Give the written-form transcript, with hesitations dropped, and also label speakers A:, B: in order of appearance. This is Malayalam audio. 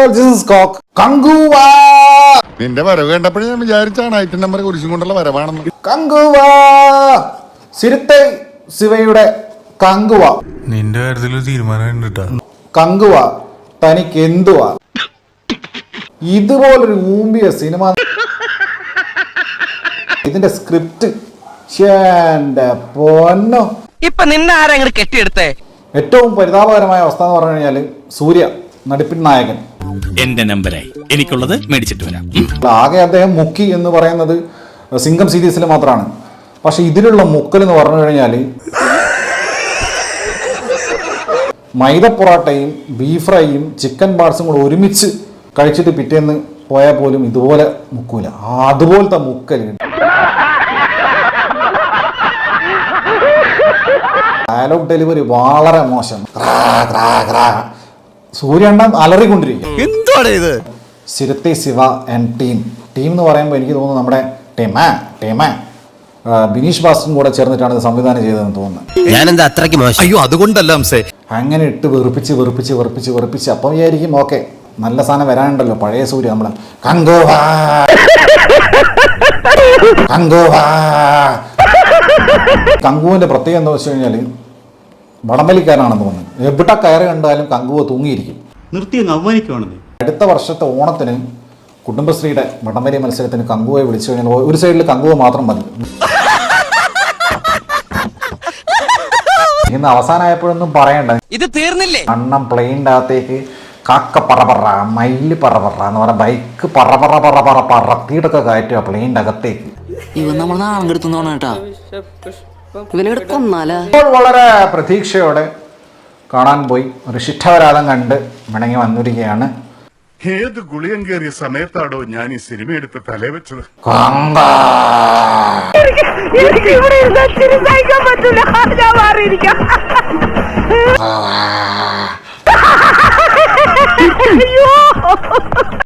A: നിന്റെ വരവ് കണ്ടപ്പോഴേ ഞാൻ വിചാരിച്ചാണ് ഐറ്റം നമ്പർ കുരിശും കൊണ്ടുള്ള വരവാണെന്ന്.
B: കങ്കുവ സിരുത്തെ ശിവയുടെ കങ്കുവ.
C: നിന്റെ കാര്യത്തിൽ തീരുമാനം
B: കങ്കുവ തനിക്ക് എന്തുവാ? ഇതുപോലൊരു ഊമ്പിയ സിനിമ. ഇതിന്റെ സ്ക്രിപ്റ്റ് പൊന്നോ.
D: ഇപ്പൊ നിന്നെ ആരെങ്കിലും കെട്ടിയെടുത്തേ?
B: ഏറ്റവും പരിതാപകരമായ അവസ്ഥ എന്ന് പറഞ്ഞു കഴിഞ്ഞാല് സൂര്യ നടിപ്പിൻ നായകൻ
E: എന്റെ നമ്പരായി എനിക്കുള്ളത് മേടിച്ചിട്ട് വരാം.
B: ആകെ അദ്ദേഹം മുക്കി എന്ന് പറയുന്നത് സിംഗം സീരീസിൽ മാത്രമാണ്. പക്ഷെ ഇതിലുള്ള മുക്കൽ എന്ന് പറഞ്ഞു കഴിഞ്ഞാൽ മൈദ പൊറാട്ടയും ബീഫ് ഫ്രൈയും ചിക്കൻ പാർട്സും കൂടെ ഒരുമിച്ച് കഴിച്ചിട്ട് പിറ്റേന്ന് പോയാൽ പോലും ഇതുപോലെ മുക്കൂല. അതുപോലത്തെ മുക്കൽ. ഡയലോഗ് ഡെലിവറി വളരെ മോശം. സൂര്യണ്ണൻ അലറിക്കൊണ്ടിരിക്കും.
E: എന്താണ് ഇത്?
B: സിരുത്തെ ശിവ ആൻഡ് ടീം എന്ന് പറയുമ്പോൾ എനിക്ക് തോന്നുന്നു നമ്മുടെ ടീമ ബിനീഷ് ബാസ്റ്ററും കൂടെ ചേർന്നിട്ടാണ് ഇത് സംവിധാനം ചെയ്തതെന്ന് തോന്നുന്നത്.
E: ഞാനെന്താ അത്രയ്ക്ക് മോശം? അയ്യോ അതുകൊണ്ടല്ല അംസേ.
B: അങ്ങനെ ഇട്ട് വെറുപ്പിച്ച് അപ്പം വിചാരിക്കും ഓക്കെ നല്ല സാധനം വരാനുണ്ടല്ലോ, പഴയ സൂര്യ നമ്മളെ കങ്കുവിന്റെ പ്രത്യേകത എന്താ വെച്ച് കഴിഞ്ഞാൽ വടംവലിക്കാരനാണെന്ന് തോന്നുന്നു. എവിടെ കയറി കണ്ടാലും കങ്കുവ തൂങ്ങിയിരിക്കും. അടുത്ത വർഷത്തെ ഓണത്തിന് കുടുംബശ്രീയുടെ വടംവലി മത്സരത്തിന് കങ്കുവയെ വിളിച്ചു കഴിഞ്ഞാൽ ഒരു സൈഡിൽ കങ്കുവ മാത്രം മതി. ഇന്ന് അവസാനമായപ്പോഴൊന്നും പറയണ്ട,
D: ഇത് തീർന്നില്ലേ?
B: അണ്ണം പ്ലെയിൻ്റെ അകത്തേക്ക് കാക്ക പറ മയില് പറ എന്ന് പറഞ്ഞ ബൈക്ക് പറത്തിയിട്ടൊക്കെ കയറ്റുക പ്ലെയിൻ്റെ അകത്തേക്ക്.
F: ഇവൻ നമ്മൾ നാളെ കേട്ടാ ഇവനെ കൊന്നാലാ.
B: ഇപ്പോൾ വളരെ പ്രതീക്ഷയോടെ കാണാൻ പോയി ഒരു ശിഷ്ടാവരാധം കണ്ട് മടങ്ങി വന്നിരിക്കുകയാണ്.
A: ഏത് ഗുളിയം കയറിയ സമയത്താണോ ഞാൻ ഈ സിനിമ എടുത്ത് തലേ വെച്ചത്?
B: കങ്ക